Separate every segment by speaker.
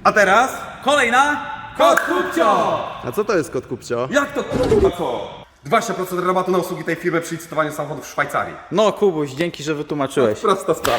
Speaker 1: A teraz kolejna Kod Kupcio!
Speaker 2: A co to jest kod kupcio?
Speaker 1: Jak to kurwa co? 20% rabatu na usługi tej firmy przy licytowaniu samochodów w Szwajcarii.
Speaker 3: No Kubuś, dzięki, że wytłumaczyłeś.
Speaker 1: Prosta sprawa.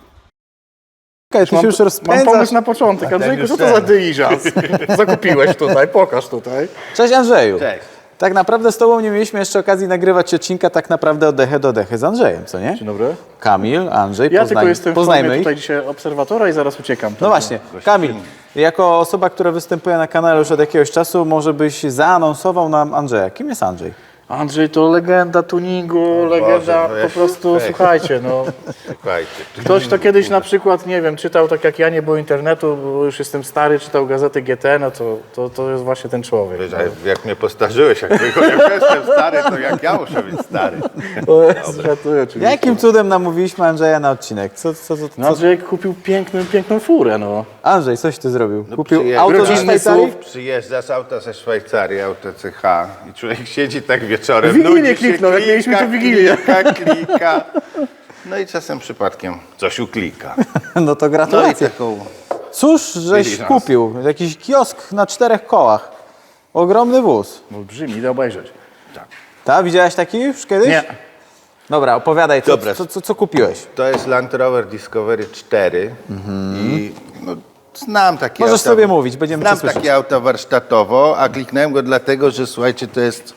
Speaker 3: Ty się już
Speaker 4: Mam
Speaker 3: rozpędzasz.
Speaker 4: pomysł na początek. Andrzejku, co to za dyliżans? Zakupiłeś tutaj, pokaż tutaj.
Speaker 3: Cześć Andrzeju.
Speaker 2: Cześć.
Speaker 3: Tak naprawdę z tobą nie mieliśmy jeszcze okazji nagrywać odcinka tak naprawdę od dechy do dechy z Andrzejem, co nie?
Speaker 4: Dzień dobry.
Speaker 3: Kamil, Andrzej,
Speaker 4: Ja tylko jestem w
Speaker 3: poznajmy
Speaker 4: formie
Speaker 3: ich.
Speaker 4: tutaj dzisiaj obserwatora i zaraz uciekam.
Speaker 3: No właśnie, Kamil, jako osoba, która występuje na kanale już od jakiegoś czasu, może byś zaanonsował nam Andrzeja. Kim jest Andrzej?
Speaker 4: Andrzej to legenda tuningu, legenda
Speaker 5: Boże,
Speaker 4: po prostu, słuchajcie, no.
Speaker 5: Słuchajcie,
Speaker 4: Ktoś to kiedyś na przykład, nie wiem, czytał tak jak ja, nie było internetu, bo już jestem stary, czytał gazety GT, no to jest właśnie ten człowiek.
Speaker 5: wiesz, a jak mnie postarzyłeś, jak jestem stary, to jak ja muszę być stary.
Speaker 4: O Jezu, żartuję oczywiście.
Speaker 3: Jakim cudem namówiliśmy Andrzeja na odcinek?
Speaker 4: No Andrzej kupił piękną furę, no.
Speaker 3: Andrzej, coś ty zrobił? Kupił
Speaker 5: przyje-
Speaker 3: auto ze
Speaker 4: rodzinny
Speaker 3: Szwajcarii?
Speaker 4: SUV.
Speaker 5: Przyjeżdża z auta ze Szwajcarii, auto CH i człowiek siedzi tak wieczorem,
Speaker 4: Wigilię
Speaker 5: nudzi się,
Speaker 4: kliknął, jak mieliśmy tu Wigilię.
Speaker 5: klika. No i czasem przypadkiem coś uklika.
Speaker 3: No to
Speaker 5: No i
Speaker 3: gratulacje.
Speaker 5: taką...
Speaker 3: Cóż, żeś
Speaker 5: Byli nas.
Speaker 3: kupił? Jakiś kiosk na 4 kołach. Ogromny wóz.
Speaker 4: Olbrzymi, idę obejrzeć.
Speaker 3: Ta, widziałeś taki już kiedyś?
Speaker 4: Nie.
Speaker 3: Dobra, opowiadaj,
Speaker 5: Dobra.
Speaker 3: co kupiłeś?
Speaker 5: To jest Land Rover Discovery 4 i no, znam takie
Speaker 3: Możesz
Speaker 5: auta.
Speaker 3: sobie mówić, będziemy
Speaker 5: Znam
Speaker 3: cię słyszeć.
Speaker 5: takie auta warsztatowo, a kliknąłem go dlatego, że słuchajcie, to jest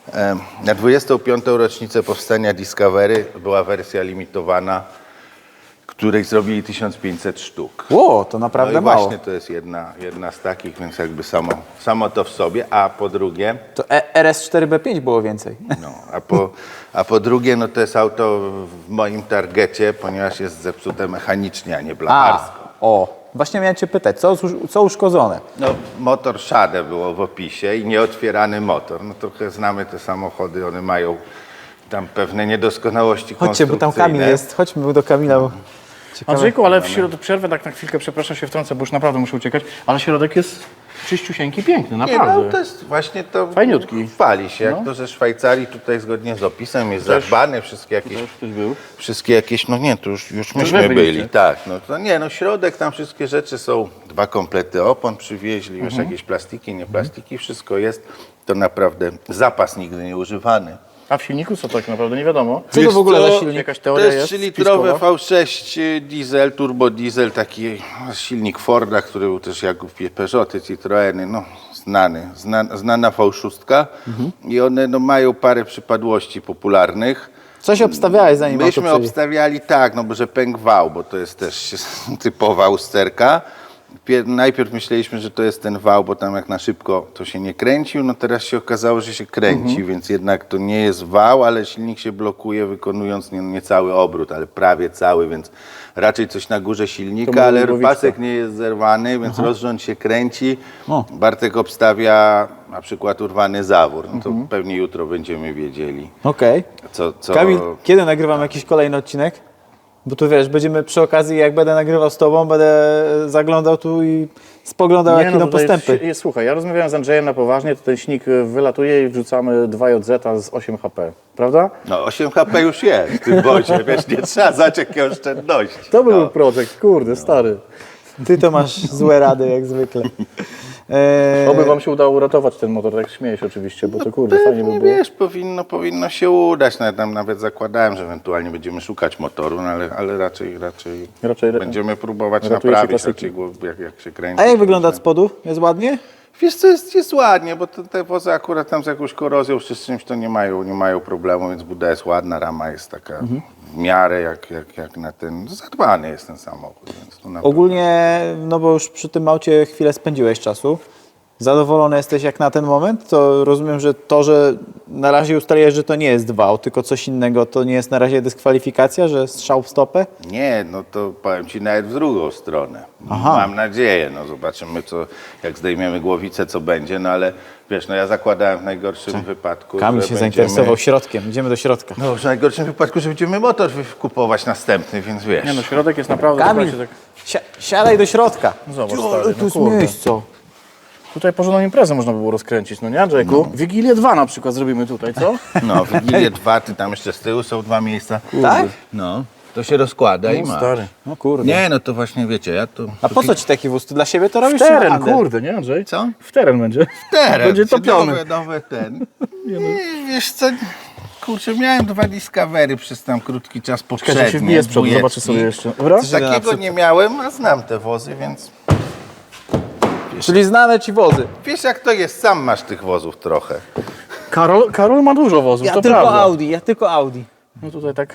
Speaker 5: na 25. rocznicę powstania Discovery była wersja limitowana, której zrobili 1500 sztuk.
Speaker 3: Ło, to naprawdę
Speaker 5: No i
Speaker 3: mało.
Speaker 5: właśnie to jest jedna z takich, więc jakby samo to w sobie, a po drugie,
Speaker 3: To RS4B5 było więcej.
Speaker 5: no, a po drugie, no to jest auto w moim targecie, ponieważ jest zepsute mechanicznie, a nie blacharsko.
Speaker 3: Właśnie miałem cię pytać, co uszkodzone?
Speaker 5: No, motor Szade było w opisie i nieotwierany motor. No trochę znamy te samochody, one mają tam pewne niedoskonałości
Speaker 3: Chodźcie, bo tam Kamil jest. Chodźmy do Kamila, bo ciekawe.
Speaker 4: Andrzejku, ale w środku przerwę tak na chwilkę, przepraszam, się wtrącę, bo już naprawdę muszę uciekać, ale środek jest czyściusieńki, piękny,
Speaker 5: Nie,
Speaker 4: naprawdę.
Speaker 5: no to jest właśnie to.
Speaker 4: Fajniutki.
Speaker 5: Chwali się, jak
Speaker 4: No.
Speaker 5: to ze Szwajcarii tutaj zgodnie z opisem jest zadbany, wszystkie jakieś, no nie, to już myśmy
Speaker 4: wy
Speaker 5: byli,
Speaker 4: byliście.
Speaker 5: tak, no to nie, no środek, tam wszystkie rzeczy są, 2 komplety opon przywieźli, już jakieś plastiki, nie plastiki, wszystko jest, to naprawdę zapas nigdy nie używany.
Speaker 4: A w silniku co tak naprawdę nie wiadomo?
Speaker 3: Co to w ogóle za silnik?
Speaker 4: Jakaś
Speaker 5: To
Speaker 4: teoria
Speaker 5: jest
Speaker 4: jest
Speaker 5: 3-litrowy
Speaker 4: spiskowa?
Speaker 5: V6 diesel, turbo diesel, taki silnik Forda, który był też jak Peugeoty, Citroeny, no znana V6 i one no, mają parę przypadłości popularnych.
Speaker 3: Coś obstawiałeś zanim auto
Speaker 5: Myśmy
Speaker 3: przyjdzie.
Speaker 5: obstawiali tak, no bo że pękł wał, bo to jest też typowa usterka. Najpierw myśleliśmy, że to jest ten wał, bo tam jak na szybko to się nie kręcił, no teraz się okazało, że się kręci, więc jednak to nie jest wał, ale silnik się blokuje wykonując nie cały obrót, ale prawie cały, więc raczej coś na górze
Speaker 4: To
Speaker 5: silnika,
Speaker 4: może
Speaker 5: ale
Speaker 4: głowiczka.
Speaker 5: pasek nie jest zerwany, więc rozrząd się kręci.
Speaker 3: O.
Speaker 5: Bartek obstawia na przykład urwany zawór, no to pewnie jutro będziemy wiedzieli,
Speaker 3: Okej.
Speaker 5: co...
Speaker 3: Kamil, kiedy nagrywam jakiś kolejny odcinek? Bo tu wiesz, będziemy przy okazji, jak będę nagrywał z tobą, będę zaglądał tu i spoglądał, jakie idą
Speaker 4: tutaj
Speaker 3: postępy.
Speaker 4: Słuchaj, ja rozmawiałem z Andrzejem na poważnie, to ten silnik wylatuje i wrzucamy 2JZ z 8 HP, prawda?
Speaker 5: No 8 HP już jest w tym wozie, wiesz, nie trzeba zacząć jakiej oszczędności.
Speaker 4: To był projekt, kurde, stary.
Speaker 3: Ty to masz złe rady, jak zwykle.
Speaker 4: Oby wam się udało uratować ten motor, tak śmieję się oczywiście, bo to kurde, fajnie by
Speaker 5: Pewnie,
Speaker 4: było.
Speaker 5: wiesz, powinno się udać. Nawet zakładałem, że ewentualnie będziemy szukać motoru, no, ale raczej będziemy próbować
Speaker 4: ratujecie
Speaker 5: naprawić,
Speaker 4: klasyki.
Speaker 5: jak się kręci.
Speaker 3: A jak wygląda od spodu? Jest ładnie?
Speaker 5: Wiesz co, jest ładnie, bo te wozy akurat tam z jakąś korozją czy z czymś to nie mają problemu, więc buda jest ładna, rama jest taka w miarę jak na ten, zadbany jest ten samochód. Więc to naprawdę-
Speaker 3: Ogólnie, no bo już przy tym aucie chwilę spędziłeś czasu. Zadowolony jesteś jak na ten moment? To rozumiem, że to, że na razie ustaliłeś, że to nie jest wał, tylko coś innego, to nie jest na razie dyskwalifikacja, że strzał w stopę?
Speaker 5: Nie, no to powiem Ci nawet w drugą stronę.
Speaker 3: Aha.
Speaker 5: Mam nadzieję, no zobaczymy jak zdejmiemy głowicę, co będzie, no ale wiesz, no ja zakładałem w najgorszym wypadku,
Speaker 3: Kamil
Speaker 5: że
Speaker 3: się
Speaker 5: będziemy...
Speaker 3: zainteresował środkiem. Idziemy do środka.
Speaker 5: No w najgorszym wypadku, że będziemy motor kupować następny, więc wiesz.
Speaker 4: Nie no, środek jest naprawdę,
Speaker 3: Kamil,
Speaker 4: słuchajcie, tak...
Speaker 3: siadaj do środka.
Speaker 4: Zobacz,
Speaker 3: Jo,
Speaker 4: stary,
Speaker 3: ale
Speaker 4: no
Speaker 3: tu jest
Speaker 4: kurde.
Speaker 3: miejsce.
Speaker 4: Tutaj porządną imprezę można by było rozkręcić, no nie Andrzejku? Wigilię 2 na przykład zrobimy tutaj, co?
Speaker 5: No, Wigilię 2, ty tam jeszcze z tyłu są 2 miejsca.
Speaker 3: Tak?
Speaker 5: No. To się rozkłada i
Speaker 4: No,
Speaker 5: ma.
Speaker 4: stary.
Speaker 3: No kurde.
Speaker 5: Nie, no to właśnie wiecie, ja to...
Speaker 3: A po co ci taki wóz? Ty dla siebie to
Speaker 4: W
Speaker 3: robisz czy na
Speaker 4: teren,
Speaker 3: handel?
Speaker 4: kurde, nie Andrzej?
Speaker 5: Co?
Speaker 4: W teren będzie.
Speaker 5: Teren,
Speaker 4: Będzie topiony.
Speaker 5: Nowe ten. I wiesz co, kurczę, miałem 2 Discovery przez tam krótki czas poprzednie.
Speaker 4: Czekaj, się wbije z przodu,
Speaker 5: dwójeczki.
Speaker 4: zobaczę sobie jeszcze. Dobra?
Speaker 5: Takiego nie miałem, a znam te wozy, więc
Speaker 3: Czyli znane ci wozy.
Speaker 5: wiesz jak to jest, sam masz tych wozów trochę.
Speaker 4: Karol ma dużo wozów,
Speaker 3: Ja
Speaker 4: to
Speaker 3: tylko
Speaker 4: prawda.
Speaker 3: Audi, ja tylko Audi.
Speaker 4: No tutaj tak.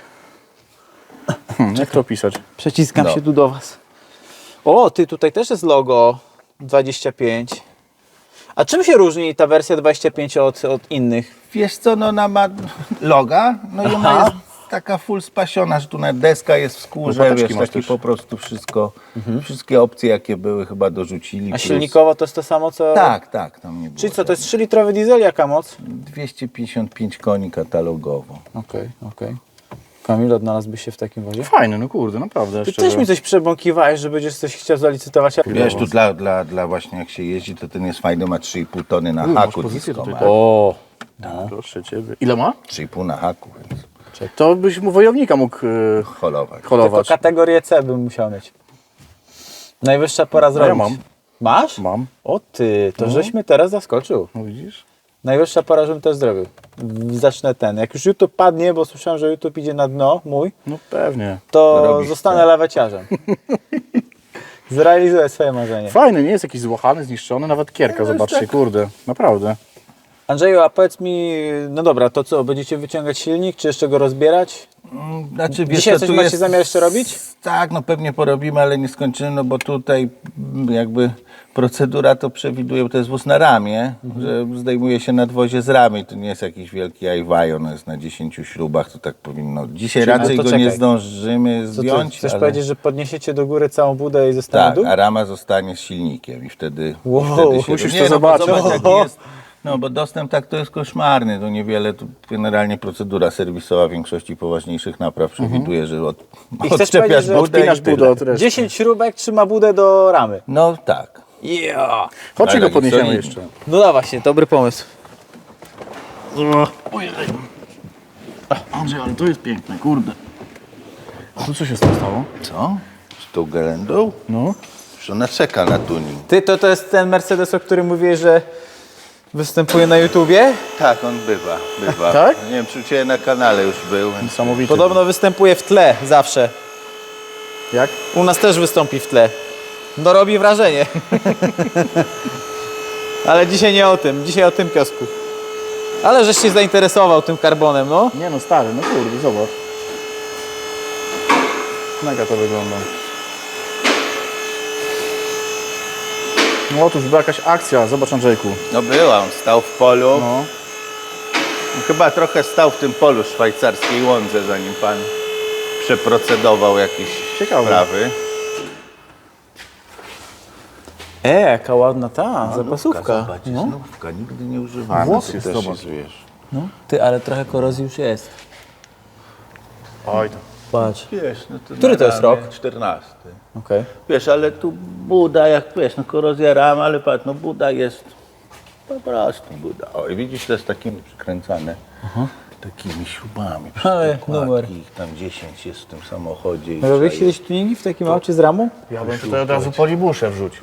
Speaker 4: Jak to pisać?
Speaker 3: Przeciskam
Speaker 5: No.
Speaker 3: się tu do was. O, ty, tutaj też jest logo 25. A czym się różni ta wersja 25 od innych?
Speaker 5: Wiesz co, no ona ma loga, no i ona
Speaker 3: Aha.
Speaker 5: jest taka full spasiona, że tu na deska jest w skórze,
Speaker 4: Łopateczki
Speaker 5: wiesz,
Speaker 4: masz
Speaker 5: taki
Speaker 4: też.
Speaker 5: po prostu wszystko, wszystkie opcje jakie były chyba dorzucili.
Speaker 3: A
Speaker 5: plus-
Speaker 3: silnikowo to jest to samo co...
Speaker 5: Tak, tam nie było.
Speaker 3: Czyli co, to jest 3-litrowy diesel, jaka moc?
Speaker 5: 255 koni katalogowo.
Speaker 3: Okej. Kamil, odnalazłbyś się w takim wozie?
Speaker 4: Fajny, no kurde, naprawdę.
Speaker 3: Ty
Speaker 4: szczerze.
Speaker 3: też mi coś przebąkiwałeś, że będziesz coś chciał zalicytować.
Speaker 5: Wiesz, tu dla właśnie jak się jeździ, to ten jest fajny, ma 3,5 tony na
Speaker 4: masz
Speaker 5: haku
Speaker 4: pozycję
Speaker 5: disco,
Speaker 4: tutaj,
Speaker 5: ma
Speaker 4: tak.
Speaker 3: O,
Speaker 4: Proszę ciebie. Ile ma?
Speaker 5: 3,5 na haku, więc
Speaker 4: To byś mu wojownika mógł
Speaker 5: holować.
Speaker 3: tylko
Speaker 4: holować.
Speaker 3: kategorię C bym musiał mieć. Najwyższa pora zrobić.
Speaker 4: ja mam.
Speaker 3: Masz?
Speaker 4: Mam.
Speaker 3: O ty, to żeś mnie teraz zaskoczył.
Speaker 4: No widzisz?
Speaker 3: Najwyższa pora, żebym też zrobił. Zacznę ten. Jak już YouTube padnie, bo słyszałem, że YouTube idzie na dno mój,
Speaker 4: No pewnie.
Speaker 3: to
Speaker 5: Robisz
Speaker 3: zostanę laweciarzem. Zrealizuję swoje marzenie.
Speaker 4: Fajny, nie jest jakiś złachany, zniszczony, nawet kierka, zobaczcie, kurde. Naprawdę.
Speaker 3: Andrzeju, a powiedz mi, no dobra, to co, będziecie wyciągać silnik, czy jeszcze go rozbierać?
Speaker 5: Znaczy, wiesz,
Speaker 3: Dzisiaj
Speaker 5: co,
Speaker 3: coś
Speaker 5: tu
Speaker 3: macie
Speaker 5: jest-
Speaker 3: zamiar jeszcze robić?
Speaker 5: Tak, no pewnie porobimy, ale nie skończymy, no bo tutaj jakby procedura to przewiduje, to jest wóz na ramię, że zdejmuje się nadwozie z ramy i to nie jest jakiś wielki ajwajo, no jest na 10 śrubach, to tak powinno. Dzisiaj
Speaker 3: Czyli-
Speaker 5: raczej
Speaker 3: no to
Speaker 5: go nie
Speaker 3: czekaj.
Speaker 5: zdążymy
Speaker 3: Co ty,
Speaker 5: zdjąć,
Speaker 3: chcesz
Speaker 5: ale...
Speaker 3: powiedzieć, że podniesiecie do góry całą budę i zostanie
Speaker 5: Tak,
Speaker 3: dół?
Speaker 5: a rama zostanie z silnikiem i wtedy,
Speaker 3: Wow,
Speaker 5: wtedy się...
Speaker 4: musisz
Speaker 5: Nie,
Speaker 4: to
Speaker 5: no, bo
Speaker 4: zobaczyć.
Speaker 5: zobacz, jaki jest, no bo dostęp tak to jest koszmarny, to niewiele, tu generalnie procedura serwisowa większości poważniejszych napraw przewiduje, że
Speaker 3: I chcesz
Speaker 5: odczepiasz
Speaker 3: powiedzieć, że
Speaker 5: budę
Speaker 4: odpinasz
Speaker 5: i tyle.
Speaker 4: budę od reszty.
Speaker 3: 10 śrubek trzyma budę do ramy.
Speaker 5: No tak.
Speaker 3: Yeah.
Speaker 4: Chodźcie
Speaker 5: Ale
Speaker 4: go
Speaker 5: taki
Speaker 4: podniesiemy
Speaker 5: solidny.
Speaker 4: jeszcze.
Speaker 3: No da właśnie, dobry pomysł.
Speaker 4: Andrzej, ale to jest piękne, kurde. A tu co się z tym stało?
Speaker 5: Co? Z tą gelendą?
Speaker 4: No.
Speaker 5: Że ona czeka na tuning.
Speaker 3: Ty, to jest ten Mercedes, o którym mówiłeś, że występuje na YouTubie?
Speaker 5: Tak, on bywa.
Speaker 4: Tak?
Speaker 5: Nie wiem, czy u Ciebie na kanale już był. Więc...
Speaker 4: Niesamowity.
Speaker 3: Podobno występuje w tle zawsze.
Speaker 4: Jak?
Speaker 3: U nas też wystąpi w tle. No robi wrażenie. Ale dzisiaj nie o tym, dzisiaj o tym kiosku. Ale żeś się zainteresował tym karbonem, no.
Speaker 4: Nie no, stary, no kurde, zobacz. Mega to wygląda. No otóż była jakaś akcja, zobacz Andrzejku.
Speaker 5: No była, on stał w polu.
Speaker 4: No.
Speaker 5: Chyba trochę stał w tym polu szwajcarskiej łądze, zanim Pan przeprocedował jakieś
Speaker 4: Ciekawe.
Speaker 5: sprawy.
Speaker 3: Jaka ładna ta zapasówka.
Speaker 5: Zobacz, jest nówka, nigdy nie używana.
Speaker 4: Włos
Speaker 5: To
Speaker 4: jest,
Speaker 5: też
Speaker 4: zobacz.
Speaker 5: jest, wiesz.
Speaker 3: No. Ty, ale trochę korozji już jest.
Speaker 4: Oj to.
Speaker 3: Patrz.
Speaker 5: Wiesz, no to
Speaker 3: Który
Speaker 5: na
Speaker 3: to jest
Speaker 5: ramię
Speaker 3: rok?
Speaker 5: 14.
Speaker 3: Okej.
Speaker 5: Wiesz, ale tu Buda, jak wiesz, no korozja ram, ale patrz, no Buda jest po prostu Buda. O, i widzisz, to jest takimi przykręcane, takimi śrubami.
Speaker 3: Ale
Speaker 5: Przykładki,
Speaker 3: numer.
Speaker 5: ich tam 10 jest w tym samochodzie. I
Speaker 3: Robiłeś
Speaker 5: trzeba
Speaker 3: kiedyś tuningi w takim aucie z ramą?
Speaker 4: Ja bym tutaj od razu polibuszę wrzucił.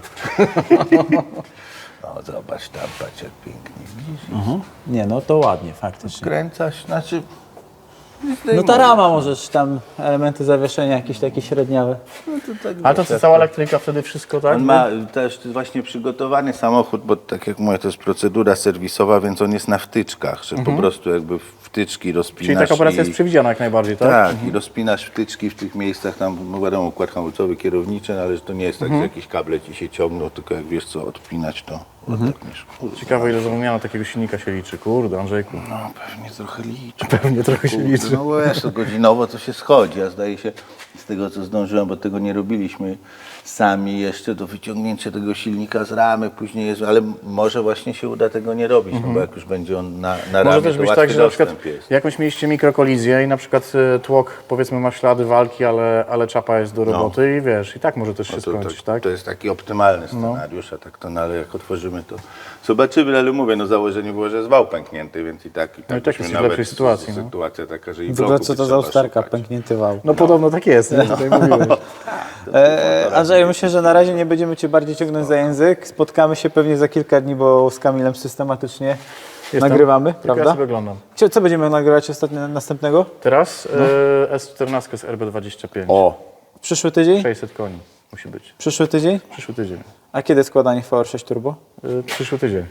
Speaker 5: No zobacz tam, patrz jak pięknie, widzisz?
Speaker 3: Nie, no to ładnie, faktycznie.
Speaker 5: Skręcasz, znaczy...
Speaker 3: No ta rama możesz tam, elementy zawieszenia jakieś takie średniawe.
Speaker 5: No to tak,
Speaker 4: A to
Speaker 5: wiesz,
Speaker 4: co,
Speaker 5: jak
Speaker 4: cała elektryka wtedy wszystko, tak?
Speaker 5: On ma też właśnie przygotowany samochód, bo tak jak mówię, to jest procedura serwisowa, więc on jest na wtyczkach, że po prostu jakby wtyczki rozpinasz.
Speaker 4: Czyli taka operacja
Speaker 5: i-
Speaker 4: jest przewidziana jak najbardziej, tak?
Speaker 5: Tak, i rozpinasz wtyczki w tych miejscach, tam no wiadomo, układ hamulcowy, kierowniczy, no, ale że to nie jest tak, że jakieś kable ci się ciągną, tylko jak wiesz co odpinać, to odetniesz. Kurde,
Speaker 4: Ciekawe ile wymiana takiego silnika się liczy, kurde Andrzejku.
Speaker 5: no pewnie trochę liczy.
Speaker 4: Pewnie trochę się
Speaker 5: Kurde,
Speaker 4: liczy.
Speaker 5: no wiesz, to godzinowo to się schodzi, a zdaje się z tego co zdążyłem, bo tego nie robiliśmy sami jeszcze, to wyciągnięcie tego silnika z ramy później jest, ale może właśnie się uda tego nie robić, no bo jak już będzie on na
Speaker 4: Może
Speaker 5: ramie,
Speaker 4: też
Speaker 5: to
Speaker 4: być
Speaker 5: łatwy
Speaker 4: tak, że na przykład
Speaker 5: dostęp jest.
Speaker 4: jakąś mieliście mikrokolizję i na przykład tłok powiedzmy ma ślady walki, ale czapa jest do roboty i wiesz, i tak może też się skończyć, tak?
Speaker 5: To jest taki optymalny scenariusz, a tak to, no, ale jak otworzymy to zobaczymy, ale mówię, no założenie było, że jest wał pęknięty, więc i tak
Speaker 4: No i tak
Speaker 5: byśmy
Speaker 4: jest w lepszej sytuacji, no.
Speaker 5: sytuacja taka, że i
Speaker 3: W ogóle
Speaker 5: bloku
Speaker 3: co
Speaker 5: by
Speaker 3: to za
Speaker 5: trzeba
Speaker 3: usterka,
Speaker 5: szukać.
Speaker 3: pęknięty wał.
Speaker 4: No podobno tak jest, nie? Tutaj mówiłeś.
Speaker 3: Andrzej, myślę, że na razie nie będziemy Cię bardziej ciągnąć za język. Spotkamy się pewnie za kilka dni, bo z Kamilem systematycznie nagrywamy,
Speaker 4: Tylko ja
Speaker 3: prawda?
Speaker 4: sobie oglądam.
Speaker 3: Co będziemy nagrywać następnego?
Speaker 4: Teraz S14 z RB25.
Speaker 3: O! Przyszły tydzień?
Speaker 4: 600 koni musi być.
Speaker 3: Przyszły tydzień?
Speaker 4: Przyszły tydzień.
Speaker 3: A kiedy składanie VR6 Turbo?
Speaker 4: Przyszły tydzień.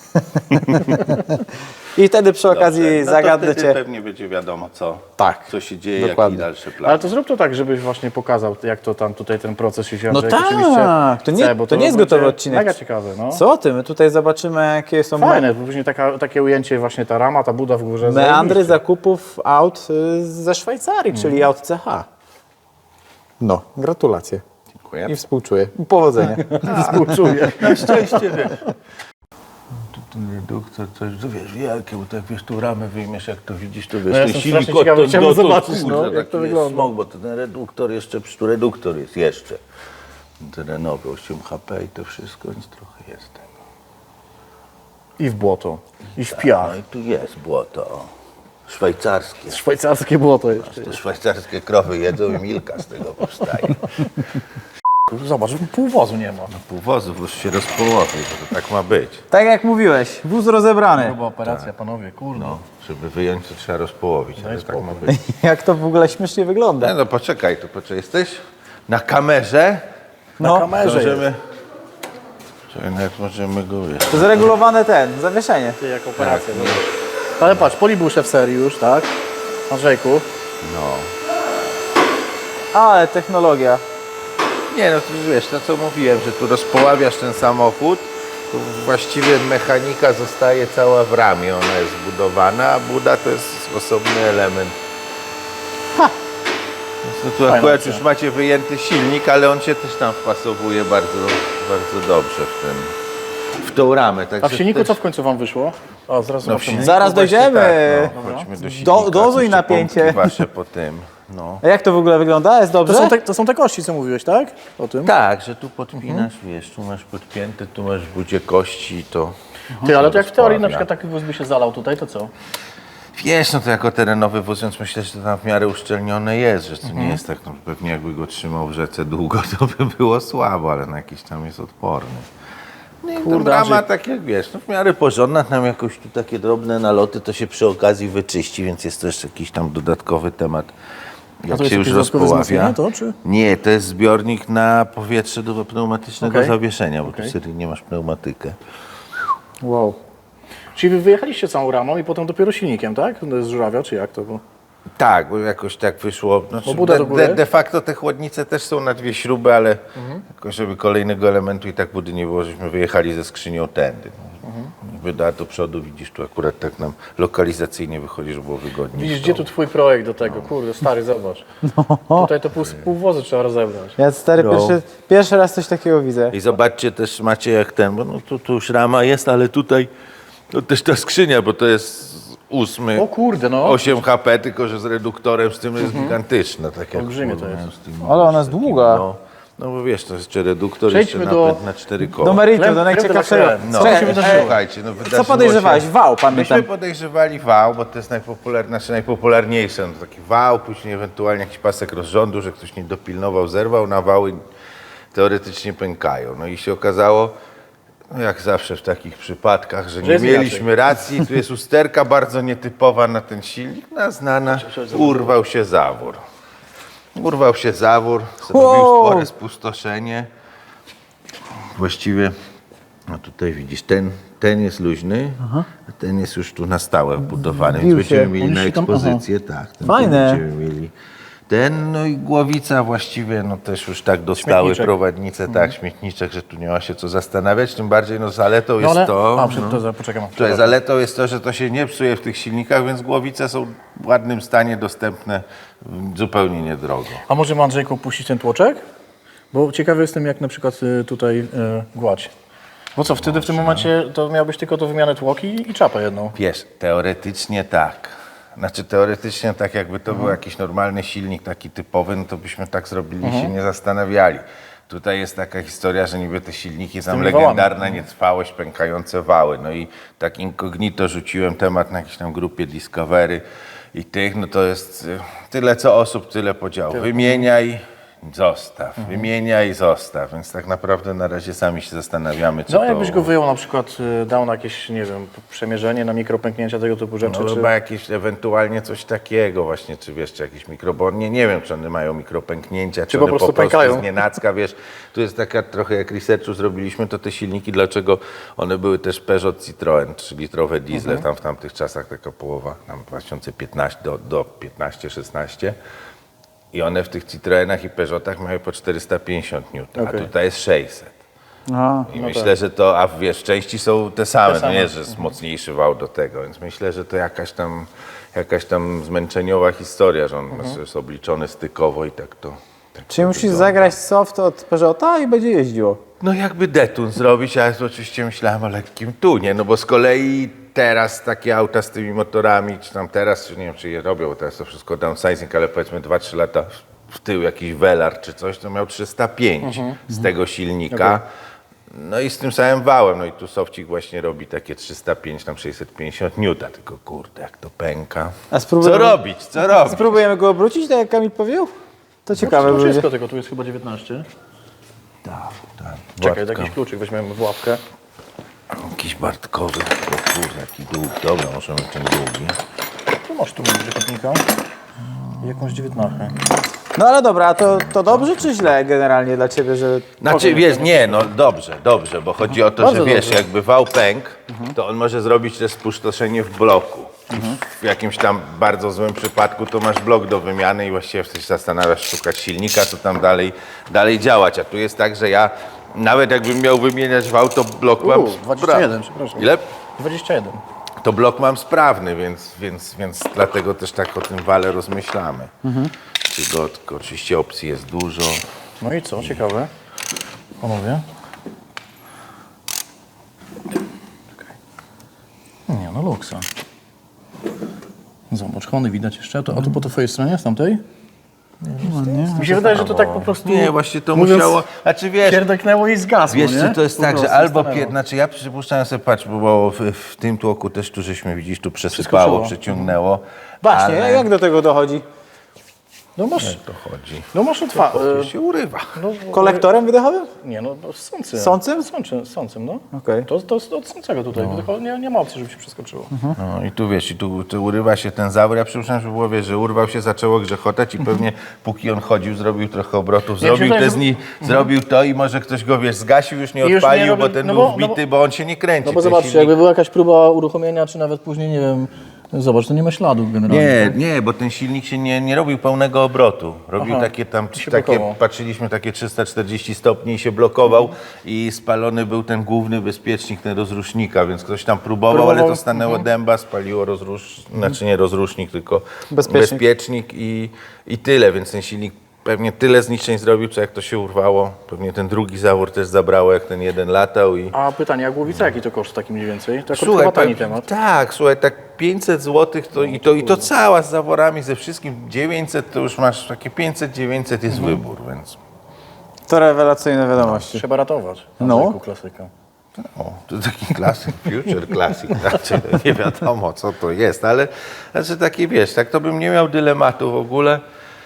Speaker 3: I wtedy przy okazji
Speaker 5: Dobrze, no
Speaker 3: zagadnę
Speaker 5: to wtedy
Speaker 3: Cię.
Speaker 5: pewnie będzie wiadomo
Speaker 3: Tak,
Speaker 5: co się dzieje,
Speaker 3: dokładnie.
Speaker 5: jaki dalszy plan.
Speaker 4: Ale to zrób to tak, żebyś właśnie pokazał, jak to tam tutaj ten proces się
Speaker 3: No
Speaker 4: Andrzej
Speaker 3: tak,
Speaker 4: oczywiście
Speaker 3: to nie-
Speaker 4: chce, bo
Speaker 3: to nie jest gotowy
Speaker 4: będzie
Speaker 3: odcinek.
Speaker 4: Mega ciekawe, no.
Speaker 3: Co Ty? My tutaj zobaczymy, jakie są
Speaker 4: Fajne, bo później takie ujęcie właśnie ta rama, ta buda w górze.
Speaker 3: meandry
Speaker 4: zajebiście.
Speaker 3: zakupów aut ze Szwajcarii, czyli aut CH. No, gratulacje.
Speaker 5: Dziękuję.
Speaker 3: I współczuję. Powodzenia.
Speaker 4: Współczuję.
Speaker 5: Na szczęście, wiesz. Tu ten reduktor, coś, to wiesz, wielkie, bo tak wiesz, tu ramę wyjmiesz, jak to widzisz, to wiesz,
Speaker 4: No ja
Speaker 5: ten
Speaker 4: jestem
Speaker 5: silnik
Speaker 4: strasznie ciekawy,
Speaker 5: od-
Speaker 4: chciałbym
Speaker 5: dotąd,
Speaker 4: zobaczyć,
Speaker 5: kurde,
Speaker 4: no, jak
Speaker 5: taki
Speaker 4: to
Speaker 5: jest
Speaker 4: wygląda.
Speaker 5: Smog, bo to ten reduktor jeszcze, przecież tu reduktor jest jeszcze. Terenowy, 8 HP i to wszystko, więc trochę jest tego.
Speaker 4: I w błoto. I w piach.
Speaker 5: No i tu jest błoto, szwajcarskie.
Speaker 4: Szwajcarskie błoto jeszcze.
Speaker 5: To szwajcarskie krowy jedzą i milka z tego powstaje.
Speaker 4: Zobacz, pół wozu nie ma.
Speaker 5: Pół wozu już się rozpołowił, bo to tak ma być.
Speaker 3: Tak jak mówiłeś, wóz rozebrany.
Speaker 4: Chyba operacja, panowie, kurde.
Speaker 5: No, żeby wyjąć, to trzeba rozpołowić, ale tak ma być.
Speaker 3: Jak to w ogóle śmiesznie wygląda.
Speaker 5: No poczekaj, jesteś na kamerze.
Speaker 3: No,
Speaker 4: kamerze
Speaker 5: Możemy... Czekaj, nawet możemy go wiesz.
Speaker 3: to zregulowane zawieszenie.
Speaker 4: Ty jak operacja, zobacz. Ale patrz, polibusze w serii już, tak? Andrzejku.
Speaker 5: No.
Speaker 3: Ale technologia.
Speaker 5: Nie no, to wiesz, to co mówiłem, że tu rozpoławiasz ten samochód, to właściwie mechanika zostaje cała w ramie, ona jest zbudowana, a buda to jest osobny element. No tu
Speaker 4: Fajna
Speaker 5: akurat
Speaker 4: opcja.
Speaker 5: już macie wyjęty silnik, ale on się też tam wpasowuje bardzo, bardzo dobrze w tą ramę.
Speaker 4: A
Speaker 5: Także
Speaker 4: w silniku
Speaker 5: też...
Speaker 4: co w końcu wam wyszło? O, zaraz
Speaker 5: No, w
Speaker 4: zobaczymy.
Speaker 5: silniku
Speaker 3: Zaraz
Speaker 5: właśnie
Speaker 3: dojdziemy.
Speaker 5: Tak, no. Chodźmy do silnika.
Speaker 3: Dozuj
Speaker 5: jeszcze
Speaker 3: napięcie.
Speaker 5: pompki wasze po tym. No.
Speaker 3: A jak to w ogóle wygląda? Jest dobrze?
Speaker 4: To są te kości, co mówiłeś, tak? O tym?
Speaker 5: Tak, że tu podpinasz, wiesz, tu masz podpięte, tu masz w budzie kości i to...
Speaker 4: Ty, ale to jak w teorii na
Speaker 5: rozpławia.
Speaker 4: przykład taki wóz by się zalał tutaj, to co?
Speaker 5: Wiesz, no to jako terenowy wóz, więc myślę, że to tam w miarę uszczelnione jest, że to nie jest tak, no pewnie jakby go trzymał w rzece długo, to by było słabo, ale na jakiś tam jest odporny. No i
Speaker 4: Kurde,
Speaker 5: ta rama,
Speaker 4: Andrzej.
Speaker 5: tak jak wiesz, no w miarę porządna, tam jakoś tu takie drobne naloty, to się przy okazji wyczyści, więc jest to jeszcze jakiś tam dodatkowy temat. Jak
Speaker 4: to jest
Speaker 5: się już
Speaker 4: jakieś dodatkowe
Speaker 5: rozpoławia.
Speaker 4: wzmocnienie, to, czy?
Speaker 5: Nie, to jest zbiornik na powietrze do pneumatycznego
Speaker 4: Okej.
Speaker 5: zawieszenia, bo tu
Speaker 4: Okej.
Speaker 5: seryjnie masz pneumatykę.
Speaker 4: Wow. Czyli wy wyjechaliście całą ramą i potem dopiero silnikiem, tak? Z żurawia, czy jak to było?
Speaker 5: Tak, bo jakoś tak wyszło. Znaczy,
Speaker 4: buda do góry?
Speaker 5: de facto te chłodnice też są na dwie śruby, ale jakoś żeby kolejnego elementu i tak budy nie było, żeśmy wyjechali ze skrzynią tędy. Wyda do przodu, widzisz, tu akurat tak nam lokalizacyjnie wychodzi, żeby było wygodniej.
Speaker 4: Widzisz, gdzie tu twój projekt do tego? Kurde, stary, zobacz. Tutaj to pół wozu trzeba rozebrać.
Speaker 3: Ja stary,
Speaker 5: No.
Speaker 3: pierwszy raz coś takiego widzę.
Speaker 5: I zobaczcie też, macie jak ten, bo no, tu już rama jest, ale tutaj to też ta skrzynia, bo to jest 8,
Speaker 4: O kurde, no.
Speaker 5: 8 HP, tylko że z reduktorem z tym jest gigantyczna. Tak jak
Speaker 4: Olbrzymie to jest.
Speaker 5: z tym-
Speaker 3: Ale ona jest długa.
Speaker 5: No bo wiesz, to jest jeszcze reduktor,
Speaker 4: Przejdźmy
Speaker 5: jeszcze
Speaker 4: do-
Speaker 5: napęd na 4 koła.
Speaker 3: Do meritum,
Speaker 4: Chleb-
Speaker 3: do najciekawszego.
Speaker 4: chleb
Speaker 5: No,
Speaker 3: Czekaj,
Speaker 5: słuchajcie, no wydarzyło
Speaker 3: co podejrzewałeś?
Speaker 5: się-
Speaker 3: Wał,
Speaker 5: Myśmy
Speaker 3: pamiętam.
Speaker 5: podejrzewali wał, bo to jest najpopularniejsze. No, taki wał, później ewentualnie jakiś pasek rozrządu, że ktoś nie dopilnował, zerwał na wał i teoretycznie pękają. No i się okazało, no jak zawsze w takich przypadkach, że nie
Speaker 4: jest
Speaker 5: mieliśmy racji. Tu jest usterka bardzo nietypowa na ten silnik, znana. Urwał się zawór. Urwał się zawór, zrobił
Speaker 3: Wow.
Speaker 5: spore spustoszenie. Właściwie, no tutaj widzisz, ten jest luźny, a ten jest już tu na stałe wbudowany, więc
Speaker 3: Bił się.
Speaker 5: będziemy mieli
Speaker 4: On
Speaker 5: na
Speaker 4: się tam-
Speaker 5: ekspozycję, tak. Ten
Speaker 3: Fajne.
Speaker 5: Będziemy mieli no i głowica właściwie, no też już tak dostały
Speaker 4: Śmietniczek.
Speaker 5: prowadnice, tak, śmietniczek, że tu nie ma się co zastanawiać, tym bardziej no zaletą
Speaker 4: No
Speaker 5: jest
Speaker 4: ale...
Speaker 5: to...
Speaker 4: Poczekam.
Speaker 5: Tutaj zaletą jest to, że to się nie psuje w tych silnikach, więc głowice są w ładnym stanie, dostępne zupełnie niedrogo.
Speaker 4: A możemy, Andrzejku, puścić ten tłoczek? Bo ciekawy jestem, jak na przykład tutaj gładź. Bo co, wtedy w tym momencie to miałbyś tylko do wymiany tłoki i czapę jedną.
Speaker 5: Wiesz, teoretycznie tak. Znaczy teoretycznie tak jakby to był jakiś normalny silnik taki typowy, no to byśmy tak zrobili i się nie zastanawiali. Tutaj jest taka historia, że niby te silniki, tam
Speaker 4: tymi
Speaker 5: legendarna nietrwałość, pękające wały. No i tak incognito rzuciłem temat na jakiejś tam grupie Discovery i tych, no to jest tyle co osób, tyle podziałów. Wymieniaj, zostaw, wymieniaj, zostaw. Więc tak naprawdę na razie sami się zastanawiamy, co
Speaker 4: No
Speaker 5: to...
Speaker 4: jakbyś go wyjął na przykład, dał na jakieś, nie wiem, przemierzenie, na mikropęknięcia, tego typu rzeczy,
Speaker 5: No
Speaker 4: czy...
Speaker 5: chyba jakieś ewentualnie coś takiego właśnie, czy wiesz, czy jakieś nie wiem, czy one mają mikropęknięcia, czy
Speaker 4: po
Speaker 5: one
Speaker 4: prostu pękają.
Speaker 5: z nienacka, wiesz, tu jest taka trochę jak researchu zrobiliśmy, to te silniki, dlaczego one były też Peugeot Citroën, 3-litrowe diesle, tam w tamtych czasach taka połowa, tam 2015 do 15-16 i one w tych Citroenach i Peugeotach mają po 450 N, a tutaj jest 600.
Speaker 3: A,
Speaker 5: I myślę, że to, a wiesz, części są te same, no nie, że jest mocniejszy wał do tego, więc myślę, że to jakaś tam zmęczeniowa historia, że on jest obliczony stykowo i tak to... Tak
Speaker 3: czyli
Speaker 5: to
Speaker 3: musisz
Speaker 5: wygląda.
Speaker 3: zagrać soft od Peugeota i będzie jeździło.
Speaker 5: No jakby detun zrobić, ale to oczywiście myślałem o lekkim tunie, no bo z kolei teraz takie auta z tymi motorami, czy tam teraz, czy nie wiem, czy je robią, bo teraz to wszystko downsizing, ale powiedzmy 2-3 lata w tył jakiś Velar czy coś, to miał 305 z tego silnika. No i z tym samym wałem, no i tu Sofcik właśnie robi takie 305, tam 650 N, tylko kurde, jak to pęka.
Speaker 3: A spróbujemy,
Speaker 5: Co robić, co robić?
Speaker 3: Spróbujemy go obrócić, tak jak Kamil powiedział? To ciekawe
Speaker 4: No,
Speaker 3: będzie.
Speaker 4: tego, tu jest chyba 19.
Speaker 5: Tak,
Speaker 4: Czekaj,
Speaker 5: Bartka.
Speaker 4: jakiś kluczyk weźmiemy w łapkę.
Speaker 5: Jakiś Bartkowy, o kurde, jaki długi, dobra, możemy ten długi.
Speaker 4: Tu masz tu przekopnika. I jakąś 19.
Speaker 3: No ale dobra, a to dobrze czy źle generalnie dla ciebie, że...
Speaker 5: Znaczy, wiesz, nie, no dobrze, bo chodzi o to,
Speaker 4: Bardzo
Speaker 5: że wiesz,
Speaker 4: dobrze.
Speaker 5: jakby wał pękł, to on może zrobić też spustoszenie w bloku. W jakimś tam bardzo złym przypadku to masz blok do wymiany i właściwie wtedy się zastanawiasz, szukać silnika, co tam dalej działać. A tu jest tak, że ja nawet jakbym miał wymieniać wał, to blok mam
Speaker 4: 21, przepraszam.
Speaker 5: Ile?
Speaker 4: 21.
Speaker 5: To blok mam sprawny, więc dlatego też tak o tym wale rozmyślamy. Tylko oczywiście opcji jest dużo.
Speaker 4: No i co, ciekawe. Panowie. Nie, no luksa. Zobacz, Hony widać jeszcze. A tu po twojej stronie, z tamtej? Mi się wydaje, że to tak po prostu...
Speaker 5: Nie, właśnie to
Speaker 4: mówiąc,
Speaker 5: musiało... Znaczy wiesz,
Speaker 4: pierdeknęło i zgasło,
Speaker 5: wiesz
Speaker 4: nie?
Speaker 5: co, to jest
Speaker 4: Po
Speaker 5: tak, że
Speaker 4: prostu
Speaker 5: albo...
Speaker 4: stanęło.
Speaker 5: Znaczy ja przypuszczałem sobie, patrz, bo w tym tłoku też tu żeśmy, widzisz, tu przesypało,
Speaker 4: czuło.
Speaker 5: przeciągnęło.
Speaker 3: Właśnie,
Speaker 5: ale...
Speaker 3: jak do tego dochodzi?
Speaker 4: No masz,
Speaker 5: to chodzi?
Speaker 4: no masz
Speaker 5: To się urywa.
Speaker 3: Kolektorem wydechowym?
Speaker 4: Nie, no sącym.
Speaker 3: Sącym?
Speaker 4: Sącym, no.
Speaker 3: Okej.
Speaker 4: To jest od sącego tutaj. Nie ma opcji, żeby się przeskoczyło.
Speaker 5: No i tu wiesz, i tu urywa się ten zawór. Ja przypuszczam, że było, wiesz, że urwał się, zaczęło grzechotać i pewnie póki on chodził, zrobił trochę obrotów,
Speaker 4: Ja
Speaker 5: zrobił
Speaker 4: myślę,
Speaker 5: te
Speaker 4: że-
Speaker 5: zrobił to i może ktoś go, wiesz, zgasił, już nie
Speaker 4: I już nie
Speaker 5: odpalił,
Speaker 4: robił-
Speaker 5: bo ten
Speaker 4: no
Speaker 5: był
Speaker 4: bo-
Speaker 5: wbity, bo on się nie kręci.
Speaker 4: No bo
Speaker 5: ten
Speaker 4: zobaczcie,
Speaker 5: silnik-
Speaker 4: jakby była jakaś próba uruchomienia, czy nawet później, nie wiem, zobacz, to nie ma śladu generalnie.
Speaker 5: Nie, bo ten silnik się nie robił pełnego obrotu. Robił
Speaker 4: Aha,
Speaker 5: takie tam,
Speaker 4: się
Speaker 5: takie,
Speaker 4: blokował.
Speaker 5: patrzyliśmy, takie 340 stopni i się blokował i spalony był ten główny bezpiecznik, ten rozrusznika, więc ktoś tam próbował, ale to stanęło dęba, spaliło znaczy nie rozrusznik, tylko bezpiecznik i tyle, więc ten silnik pewnie tyle zniszczeń zrobił, co jak to się urwało. Pewnie ten drugi zawór też zabrało, jak ten jeden latał i...
Speaker 4: A pytanie, a głowica jaki to koszt taki mniej więcej? To akurat chyba tani temat.
Speaker 5: Tak, słuchaj, tak 500 zł i to cała z zaworami, ze wszystkim 900 to już masz takie 500-900 jest wybór, więc
Speaker 3: To rewelacyjne wiadomości.
Speaker 4: Trzeba ratować.
Speaker 3: No.
Speaker 4: Andrzejku, klasyka.
Speaker 5: to taki klasyk, future classic, znaczy nie wiadomo co to jest, ale znaczy taki wiesz, tak to bym nie miał dylematu w ogóle.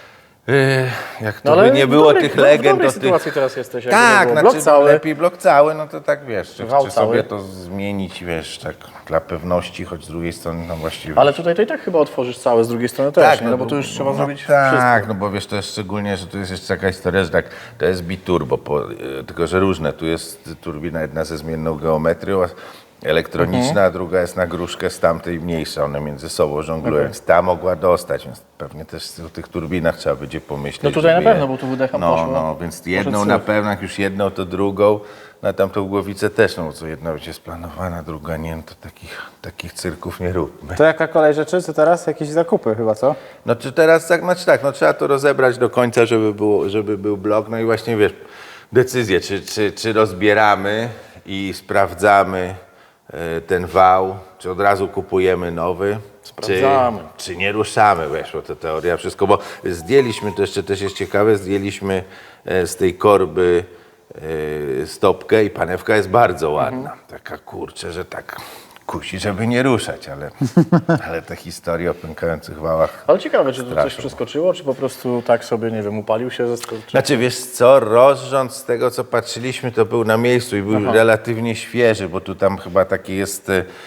Speaker 5: Jak to by nie
Speaker 4: w
Speaker 5: było
Speaker 4: dobrej-
Speaker 5: tych
Speaker 4: w
Speaker 5: legend
Speaker 4: dobrej
Speaker 5: o tych...
Speaker 4: sytuacji teraz jesteś, jakby nie
Speaker 5: Tak,
Speaker 4: było.
Speaker 5: znaczy
Speaker 4: Blok cały.
Speaker 5: lepiej blok cały, no to tak wiesz, czy
Speaker 4: Wał
Speaker 5: sobie
Speaker 4: cały.
Speaker 5: to zmienić, wiesz, tak dla pewności, choć z drugiej strony tam właściwie...
Speaker 4: Ale tutaj to i tak chyba otworzysz całe, z drugiej strony też, nie? No bo tu już trzeba zrobić
Speaker 5: tak,
Speaker 4: wszystko.
Speaker 5: no bo wiesz, to jest szczególnie, że tu jest jeszcze taka historia, że tak, to jest biturbo, tylko że różne. Tu jest turbina jedna ze zmienną geometrią, elektroniczna, a druga jest na gruszkę z tamtej mniejsza, one między sobą żonglują, więc ta mogła dostać, więc pewnie też o tych turbinach trzeba będzie pomyśleć.
Speaker 4: No tutaj na
Speaker 5: żeby
Speaker 4: pewno, bo tu wydecha
Speaker 5: no,
Speaker 4: poszło.
Speaker 5: no, więc jedną
Speaker 4: Może
Speaker 5: na
Speaker 4: cud.
Speaker 5: pewno, jak już jedną, to drugą, na tamtą głowicę też, no bo co jedna będzie splanowana, druga nie, no to takich cyrków nie róbmy.
Speaker 3: To jaka kolej rzeczy? Co teraz? Jakieś zakupy chyba, co?
Speaker 5: No czy teraz tak, znaczy tak, no trzeba to rozebrać do końca, żeby był blok, no i właśnie wiesz, decyzję, czy rozbieramy i sprawdzamy ten wał, czy od razu kupujemy nowy,
Speaker 4: Sprawdzamy.
Speaker 5: czy nie ruszamy, wiesz, bo to teoria wszystko, bo zdjęliśmy, to jeszcze też jest ciekawe, zdjęliśmy z tej korby stopkę i panewka jest bardzo ładna, taka kurczę, że tak kusi, żeby nie ruszać, ale te historie o pękających wałach.
Speaker 4: Ale ciekawe, czy tu coś
Speaker 5: Straszą.
Speaker 4: przeskoczyło, czy po prostu tak sobie, nie wiem, upalił się, zaskoczył.
Speaker 5: Znaczy wiesz co, rozrząd z tego co patrzyliśmy to był na miejscu i był relatywnie świeży, bo tu tam chyba taki jest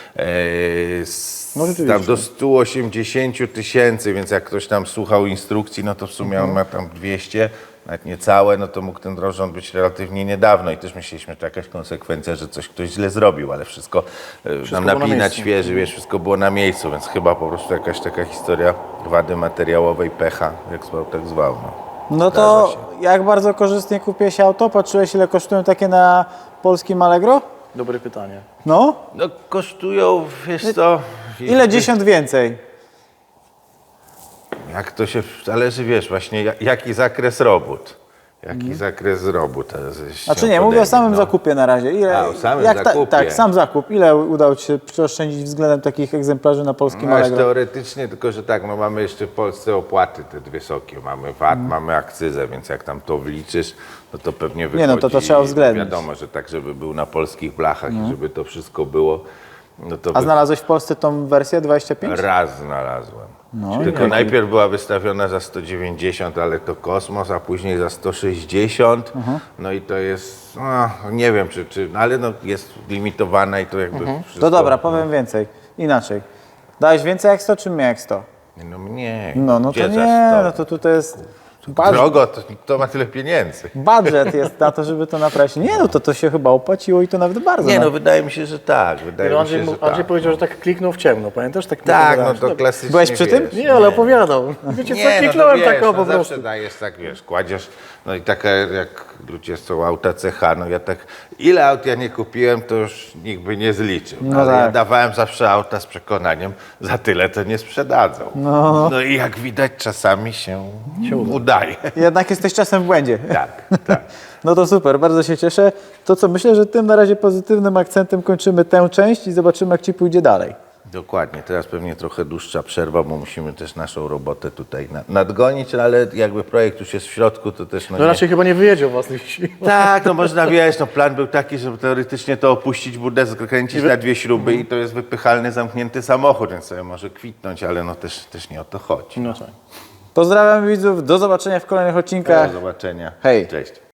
Speaker 4: No rzeczywiście.
Speaker 5: tam do 180 000, więc jak ktoś tam słuchał instrukcji, no to w sumie on ma tam 200, nawet niecałe, no to mógł ten rozrząd być relatywnie niedawno i też myśleliśmy, że to jakaś konsekwencja, że coś ktoś źle zrobił, ale wszystko, nam
Speaker 4: było na
Speaker 5: napinać
Speaker 4: miejscu.
Speaker 5: świeży, wiesz, wszystko było na miejscu, więc chyba po prostu jakaś taka historia wady materiałowej, pecha, jak zwał, tak zwał. No.
Speaker 3: No to jak bardzo korzystnie kupię się auto? Patrzyłeś, ile kosztują takie na polskim Allegro?
Speaker 4: Dobre pytanie.
Speaker 3: No?
Speaker 5: No kosztują, wiesz co...
Speaker 3: Ile dziesiąt więcej?
Speaker 5: Jak to się zależy, wiesz, właśnie jaki zakres robót. Jaki zakres robót.
Speaker 3: Znaczy nie, mówię o samym zakupie na razie. Ile,
Speaker 5: A, o samym
Speaker 3: jak
Speaker 5: zakupie.
Speaker 3: tak, sam zakup. Ile udało Ci się przeoszczędzić względem takich egzemplarzy na polskim
Speaker 5: No,
Speaker 3: Allegro?
Speaker 5: teoretycznie, tylko że tak, no mamy jeszcze w Polsce opłaty te wysokie. Mamy VAT, mamy akcyzę, więc jak tam to wliczysz, no to pewnie wychodzi...
Speaker 3: Nie, no to trzeba uwzględnić.
Speaker 5: Wiadomo, że tak, żeby był na polskich blachach i żeby to wszystko było, no to...
Speaker 3: A znalazłeś w Polsce tą wersję 25?
Speaker 5: Raz znalazłem.
Speaker 3: No,
Speaker 5: Tylko najpierw była wystawiona za 190, ale to kosmos, a później za 160. No i to jest, no, nie wiem, ale no, jest limitowana i to jakby wszystko...
Speaker 3: To dobra, powiem więcej. Inaczej. Dałeś więcej jak 100 czy mniej jak 100?
Speaker 5: No mniej.
Speaker 3: No to
Speaker 5: Gdzie za
Speaker 3: nie,
Speaker 5: 100?
Speaker 3: no to tutaj jest...
Speaker 5: Drogo, to kto ma tyle pieniędzy?
Speaker 3: Budżet jest na to, żeby to naprawić. Nie, no to się chyba opłaciło i to nawet bardzo.
Speaker 5: Nie, no wydaje mi się, że tak. Wydaje mi
Speaker 4: Andrzej,
Speaker 5: się, że
Speaker 4: Andrzej
Speaker 5: tak.
Speaker 4: powiedział, że tak kliknął w ciemno, pamiętasz? Tak,
Speaker 5: Tak, no
Speaker 4: opowiadałeś.
Speaker 5: to klasycznie.
Speaker 3: Byłeś przy tym?
Speaker 5: wiesz,
Speaker 4: Nie, ale opowiadał. Wiecie co, kliknąłem
Speaker 5: wiesz,
Speaker 4: tak o po
Speaker 5: no
Speaker 4: prostu.
Speaker 5: zawsze dajesz tak, wiesz, kładziesz, no i taka jak ludzie są auta CH, no ja tak, ile aut ja nie kupiłem, to już nikt by nie zliczył.
Speaker 3: No
Speaker 5: ale ja
Speaker 3: tak.
Speaker 5: dawałem zawsze auta z przekonaniem, za tyle to nie sprzedadzą. No i jak widać czasami się udaje.
Speaker 3: Jednak jesteś czasem w błędzie.
Speaker 5: Tak, tak.
Speaker 3: No to super, bardzo się cieszę. To co, myślę, że tym na razie pozytywnym akcentem kończymy tę część i zobaczymy, jak Ci pójdzie dalej.
Speaker 5: Dokładnie, teraz pewnie trochę dłuższa przerwa, bo musimy też naszą robotę tutaj nadgonić, ale jakby projekt już jest w środku, to też
Speaker 4: No
Speaker 5: nie...
Speaker 4: raczej chyba nie wyjedzie was liści.
Speaker 5: Tak, no można wiesz, no plan był taki, żeby teoretycznie to opuścić budę, skręcić na 2 śruby i to jest wypychalny, zamknięty samochód, więc sobie może kwitnąć, ale no też nie o to chodzi.
Speaker 4: No tak.
Speaker 3: Pozdrawiam widzów, do zobaczenia w kolejnych odcinkach.
Speaker 5: Do zobaczenia.
Speaker 3: Hej.
Speaker 5: Cześć.